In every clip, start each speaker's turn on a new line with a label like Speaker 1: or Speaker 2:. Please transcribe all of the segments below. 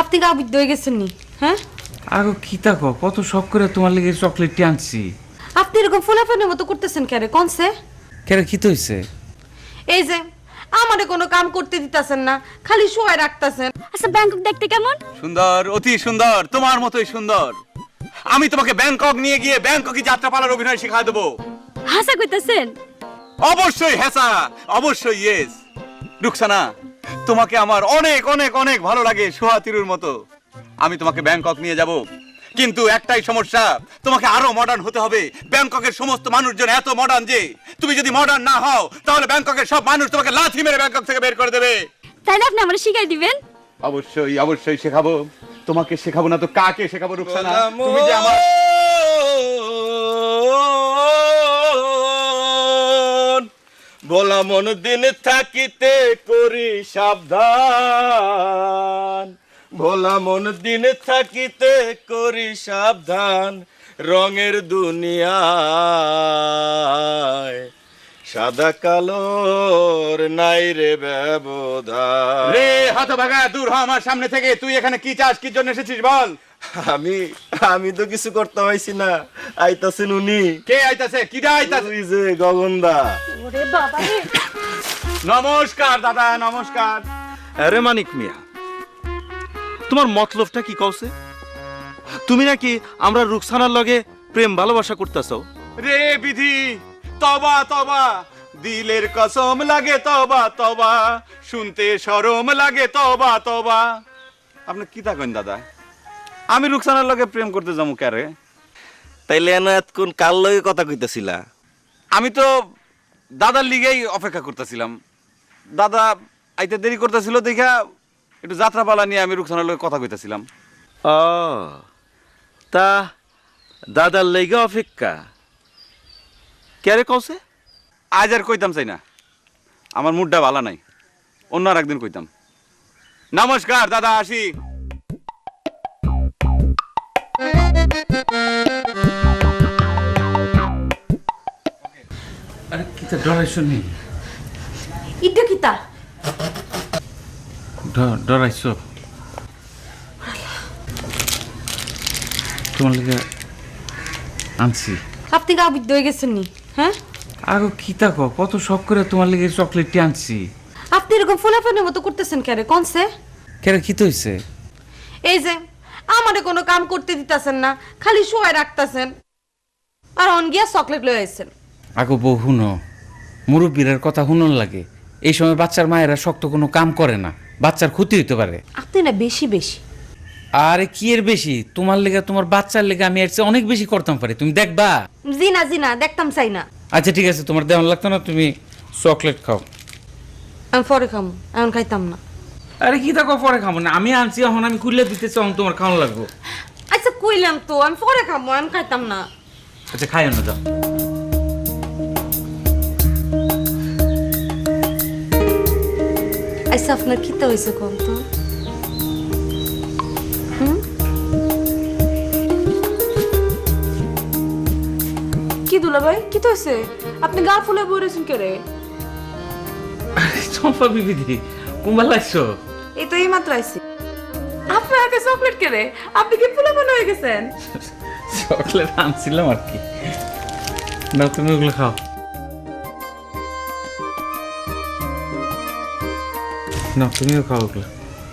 Speaker 1: আপনি গা বুদ্ধ হয়ে গেছেন নি? হ্যাঁ,
Speaker 2: আগো কি তাকো কত শখ করে তোমার লেগে চকলেটটি আনছি।
Speaker 1: আপনি এরকম ফোলাফানের মতো করতেছেন কেন? কনসে
Speaker 2: কেন কি তো হইছে?
Speaker 1: এই যে আমারে কোনো কাম করতে দিতাছেন না, খালি শোয়ায় রাখতাছেন।
Speaker 3: আচ্ছা ব্যাংকক দেখতে কেমন?
Speaker 4: সুন্দর, অতি সুন্দর, তোমার মতোই সুন্দর। আমি তোমাকে ব্যাংকক নিয়ে গিয়ে ব্যাংককে যাত্রাপালার অভিনয় শেখায় দেবো।
Speaker 3: হাসা কইতাছেন?
Speaker 4: অবশ্যই হ্যাঁ, অবশ্যই ইয়েস। রুকসানা, তোমাকে আমার অনেক অনেক অনেক ভালো লাগে সোহাতিরুর মতো। আমি তোমাকে ব্যাংকক নিয়ে যাব, কিন্তু একটাই সমস্যা, তোমাকে আরো মডার্ন হতে হবে। ব্যাংককের সমস্ত মানুষজন এত মডার্ন যে তুমি যদি মডার্ন না হও তাহলে ব্যাংককের সব মানুষ তোমাকে লাথি মেরে ব্যাংকক থেকে বের করে দেবে।
Speaker 3: তাইলে আপনি আমারে শিখাই দিবেন?
Speaker 4: অবশ্যই অবশ্যই শেখাবো। তোমাকে শেখাবো না তো কাকে শেখাবো রুকসানা? তুমি যে আমার
Speaker 5: ভোলা মন দিন থাকিতে করি সাবধান, ভোলা মন দিন থাকিতে করি সাবধান, রঙের দুনিয়ায় সাদা কালোর নাই রে ব্যবধান।
Speaker 4: রে হতভাগা, দূর হ আমার সামনে থেকে। তুই এখানে কি চাস, কি জন্য এসেছিস বল?
Speaker 5: আমি আমি তো কিছু করতে পারছি না, আইতাছেন উনি।
Speaker 4: কে আইতাছে? কিডা আইতাছে?
Speaker 5: ওই যে গগনদা।
Speaker 3: ওরে বাবা রে!
Speaker 4: নমস্কার দাদা, নমস্কার।
Speaker 5: আরে মানিক মিয়া, তোমার মতলবটা কি কওছে? তুমি নাকি আমরা রুকসানার লগে প্রেম ভালোবাসা করতেছো?
Speaker 4: রে বিধি, তবা তবা, দিলের কসম লাগে তবা তবা, শুনতে শরম লাগে তবা তবা। আপনি কি থাকেন দাদা? আমি রুকসানার লগে প্রেম করতে যাবো কারে?
Speaker 5: তাইলে এনা এতক্ষণ কার লগে কথা কইতাছিলা?
Speaker 4: আমি তো দাদার লিগেই অপেক্ষা করতেছিলাম। দাদা আইতে দেরি করতেছিল দেখা একটু যাত্রাপালা নিয়ে আমি রুকসানার লগে কথা কইতেছিলাম।
Speaker 5: ও তা দাদার লেগে অপেক্ষা কেরে কওছে?
Speaker 4: আজ আর কইতাম চাই না, আমার মুডটা ভালো নাই, অন্য আর একদিন কইতাম। নমস্কার দাদা, আসি।
Speaker 2: আরে কি তা ডরাইছো নি?
Speaker 1: ইটা কিতা?
Speaker 2: ডরাইছো? তোমার লেগে আনছি।
Speaker 1: আপনি গা বুদ্ধ হয়ে গেছেন নি? হ্যাঁ,
Speaker 2: আগো কি তাকো কত শখ করে তোমার লেগে চকলেটটি আনছি।
Speaker 1: আপনি এরকম ফোলাফানের মতো করতেছেন কেন? কনসে
Speaker 2: কেন কি তো হইছে?
Speaker 1: এই যে আমারে কোনো কাম করতে দিতাছেন না, খালি শোয়ায় রাখতাছেন, আর অন গিয়া চকলেট লয়ে আইছেন।
Speaker 2: আগো বউ হুনো, মুরব্বীর কথা হুনন লাগে। এই সময় বাচ্চার মায়েরা শক্ত কোনো কাম করে না, বাচ্চার ক্ষতি হইতে পারে।
Speaker 1: আপনি না বেশি বেশি।
Speaker 2: আরে কি এর বেশি? তোমার লেগে তোমার বাচ্চার লেগে আমি এর চেয়ে অনেক বেশি করতাম পারি, তুমি দেখবা।
Speaker 1: জি না দেখতাম চাই না।
Speaker 2: আচ্ছা ঠিক আছে, তোমার দেওয়ান লাগতো না, তুমি চকলেট খাও।
Speaker 1: আমি পরে খাম, এখন খাইতাম না।
Speaker 2: আরে কি দেখো পরে খাবো না, আমি আনছি এখন, আমি খুললে দিতে চাও, তোমার খাওয়ানো লাগবো।
Speaker 1: আচ্ছা কইলাম তো আমি পরে খাবো, আমি খাইতাম না।
Speaker 2: আচ্ছা খাই না, যাও।
Speaker 1: আচ্ছা আপনার কিতা হয়েছে কোন তো?
Speaker 6: কি দুলা ভাই কি তো হয়েছে? আপনি গা ফুলে বই রয়েছেন কে রে?
Speaker 2: চম্পা বিবিধি কুম্বাল লাগছো?
Speaker 6: এই তো এই মাত্র আইছি। আপনার হাতে চকলেট কে রে? আপনি কি ফুলে মনে হয়ে গেছেন?
Speaker 2: চকলেট আনছিলাম আর কি। না তুমি ওগুলো খাও। না তুমিও খাও ওগুলো।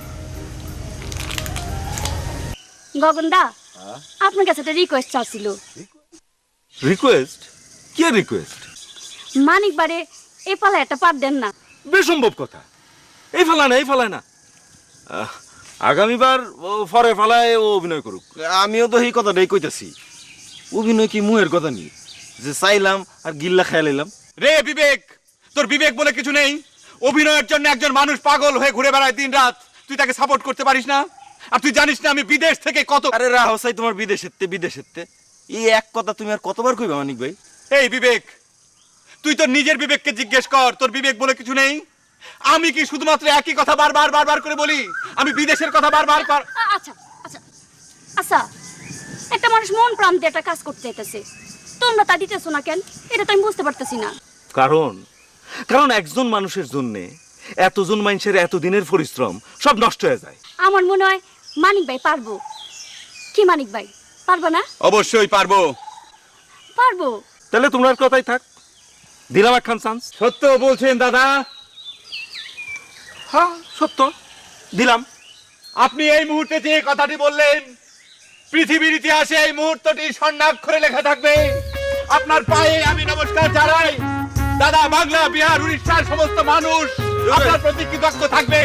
Speaker 3: গগনদা, আপনার কাছে একটা রিকোয়েস্ট চাচ্ছিল।
Speaker 5: রিকোয়েস্ট? কি রিকোয়েস্ট?
Speaker 3: মানিক বারে এই পালা একটা পার দেন না।
Speaker 5: বেসম্ভব কথা। এই ফালায় না। আগামীবার ও ফরে ফালায় ও অভিনয় করুক। আমিও তো এই কথাটাই কইতাছি। অভিনয় কি মুহের কথা নি যে চাইলাম আর গিল্লা খেয়াল এলাম?
Speaker 4: রে বিবেক, তোর বিবেক বলে কিছু নেই? অভিনয়ের জন্য একজন মানুষ পাগল হয়ে ঘুরে বেড়ায় দিন রাত, তুই তাকে সাপোর্ট করতে পারিস না? আর তুই জানিস না আমি বিদেশ থেকে কত।
Speaker 5: আরে রাহো চাই তোমার বিদেশেতে এই এক কথা তুমি আর কতবার কইবা মানিক ভাই?
Speaker 4: এই বিবেক, তুই তোর নিজের বিবেককে জিজ্ঞেস কর, তোর বিবেক বলে কিছু নেই? আমি কি শুধুমাত্র একই কথা বারবার করে বলি? আমি বিদেশের কথা বারবার
Speaker 3: আচ্ছা আচ্ছা আচ্ছা, একটা মানুষ মন প্রাণ দিয়ে একটা কাজ করতে চাইতেছে, তোমরা তা দিতেছো না কেন? এটা তো আমি বুঝতে পারতেছি না।
Speaker 5: কারণ একজন মানুষের জন্য এতজন মানুষের এতদিনের পরিশ্রম সব নষ্ট হয়ে যায়।
Speaker 3: আমার মনে হয় মানিক ভাই পারবো। কি মানিক ভাই, পারবা না?
Speaker 4: অবশ্যই পারবো।
Speaker 3: পারবো।
Speaker 5: তাহলে তোমার কথাই থাক, দিলাম একখান চান্স।
Speaker 4: সত্য বলছেন দাদা?
Speaker 5: হ্যাঁ সত্য, দিলাম।
Speaker 4: আপনি এই মুহূর্তে যে কথাটি বললেন, পৃথিবীর ইতিহাসে এই মুহূর্তটি স্বর্ণাক্ষরে লেখা থাকবে। আপনার পায়ে আমি নমস্কার জানাই দাদা। বাংলা, বিহার, উড়িষ্যার সমস্ত মানুষ আপনার প্রতি কৃতজ্ঞ থাকবে।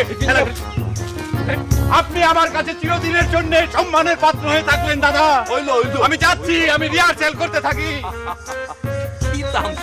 Speaker 4: আপনি আমার কাছে চিরদিনের জন্য সম্মানের পাত্র হয়ে থাকলেন দাদা। আমি যাচ্ছি, আমি রিহার্সেল করতে থাকি।